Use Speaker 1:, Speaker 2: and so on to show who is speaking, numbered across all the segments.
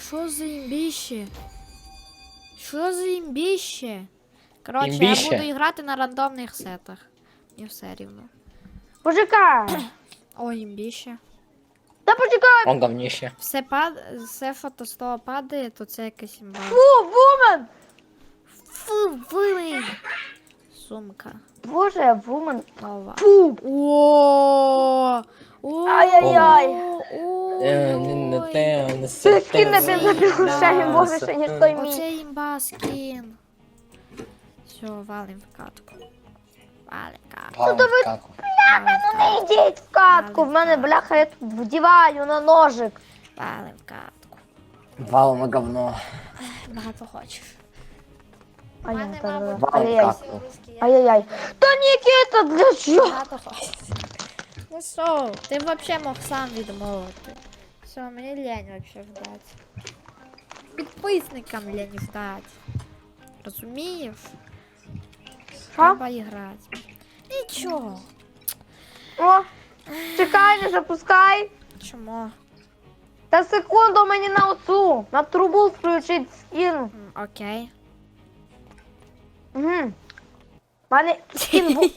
Speaker 1: Що за імбіще? Що за імбіще? Коротше,
Speaker 2: Імбіще?
Speaker 1: я буду грати на рандомних сетах. Мені все рівно.
Speaker 3: Почекай.
Speaker 1: О, імбіще.
Speaker 3: Та почекай.
Speaker 2: Он говніще.
Speaker 1: Все фото з того падає, то це якась імба.
Speaker 3: Фу, вумен.
Speaker 1: Фу, вимий! Сумка.
Speaker 3: Боже, вумен.
Speaker 1: Нова.
Speaker 3: Фу.
Speaker 1: О!
Speaker 3: Ай-яй-яй. Це скін на бензопилушені, боже, ще ніж той мій.
Speaker 1: Оце імба скін. Все, валим в катку. Валим в катку.
Speaker 2: Валим в каку.
Speaker 1: Валим в
Speaker 3: Не
Speaker 1: катку.
Speaker 3: йдіть в катку, в мене бляха, я тут вдіваю на ножик.
Speaker 1: Валим в катку.
Speaker 2: Валим говно.
Speaker 1: Багато хочеш.
Speaker 3: Ай,
Speaker 1: Мене,
Speaker 3: та,
Speaker 1: мабуть,
Speaker 2: Валим
Speaker 3: ай-яй.
Speaker 2: каку.
Speaker 3: Ай-яй-яй. Та Нікіта, для чого?
Speaker 1: Багато хочеш. Ну що, ти взагалі мог сам відмовити. Все, мені лень вообще ждать. Підписникам лень ждать. Розумієш?
Speaker 3: Ха?
Speaker 1: Треба грати. Нічого.
Speaker 3: О, чекай, не запускай.
Speaker 1: Чому?
Speaker 3: Та секунду мені на оцю, на трубу включить скін.
Speaker 1: Окей.
Speaker 3: Угу. Мене скін був.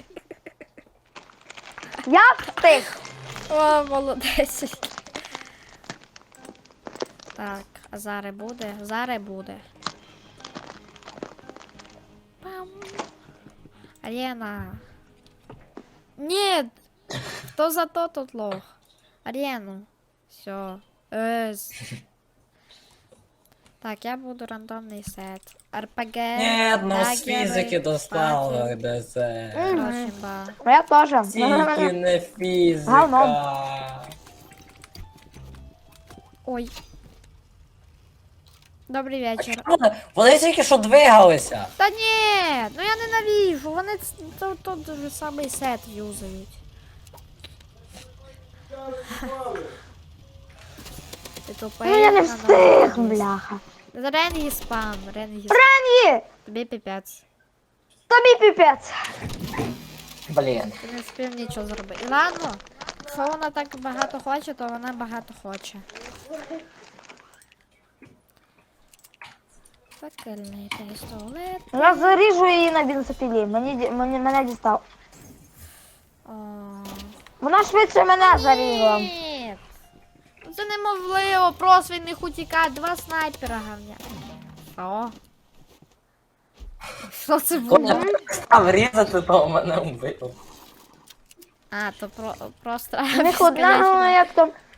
Speaker 3: Я встиг.
Speaker 1: О, молодець. Так, а зараз буде? Зараз буде. Пам. Арена. Нет! Хто за то тут лох? Арену. Все. Так, я буду рандомний сет. РПГ.
Speaker 2: Нет, ну з
Speaker 1: дагери,
Speaker 2: фізики достало
Speaker 1: паки.
Speaker 2: ДЗ.
Speaker 1: Короче, ба.
Speaker 3: Я теж.
Speaker 2: Тільки не фізика.
Speaker 3: Говно.
Speaker 1: Ой. Добрий вечір.
Speaker 2: Вони тільки що двигалися.
Speaker 1: Та ні, ну я ненавижу, вони тот же самий сет юзають. Ти тупий.
Speaker 3: Ну я не встиг, бляха.
Speaker 1: Ренгі спам, Ренгі спам.
Speaker 3: Ренгі,
Speaker 1: Тобі піпець.
Speaker 3: тобі піпець.
Speaker 2: Блін.
Speaker 1: Ти не спів нічого зробити. Ладно, якщо вона так багато хоче, то вона багато хоче. Факельний пістолет.
Speaker 3: Я заріжу її на бензопілі. Мене дістав.
Speaker 1: О.
Speaker 3: Вона швидше мене зарізала.
Speaker 1: Ні. Це неможливо, просто він не утікає. Два снайпера говня. Що? Що це
Speaker 2: Коля
Speaker 1: було?
Speaker 2: став різати, то мене вбив.
Speaker 1: А, то просто...
Speaker 3: У них одна, ну як там,